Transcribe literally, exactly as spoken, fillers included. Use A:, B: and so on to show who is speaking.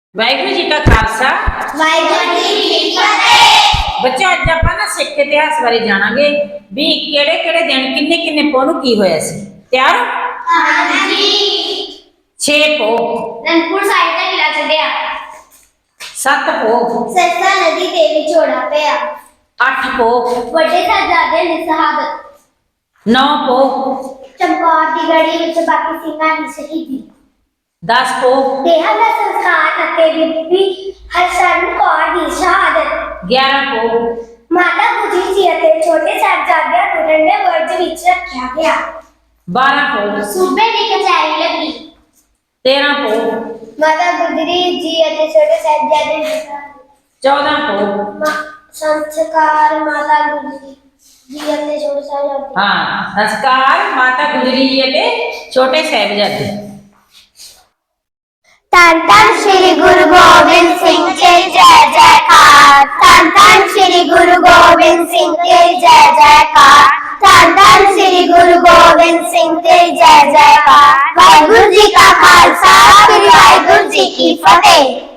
A: वाहिगुरू जी का खालसा
B: वाहिगुरू जी की फतेह।
A: बच्चों अज आपां ना सिख इतिहास बारे जाणांगे भी किहड़े किहड़े दिन किन्ने किन्ने पौ नूं की होया सी। तैयार हो?
B: हाँ जी।
A: छे पौ
B: अनंदपुर साहिब दा किला छड्डिया।
A: सत्त पौ
B: सरसा नदी ते विछोड़ा पिया।
A: अठ पौ
B: वड्डे साहिबजादे दी शहादत।
A: नौ पौ
B: चमकौर दी गढ़ी विच बाकी सिंघां दी शहीदी।
A: दस पौ
B: देहां दा संस्कार अते बीबी हरशरण कौर दी शहादत।
A: ग्यारह पौ
B: माता गुजरी जी अते छोटे साहिबजादियां नूं ठंडे बुर्ज विच रखिया गया।
A: बारह पौ
B: सूबे दी कचहरी लगी।
A: तेरह पौ
B: माता गुजरी जी अते छोटे साहिबजादे दी शहादत।
A: चौदह पौ
B: संस्कार माता गुजरी जी अते छोटे साहिबजादे।
A: हाँ संस्कार माता गुजरी जी अते छोटे साहिबजादे।
B: धन धन श्री गुरु गोबिंद सिंह जी जय जयकार। धन धन श्री गुरु गोबिंद सिंह जी जय जयकार। धन धन श्री गुरु गोबिंद सिंह जी जय जयकार। वाहिगुरू जी का खालसा वाहिगुरू जी की फतेह।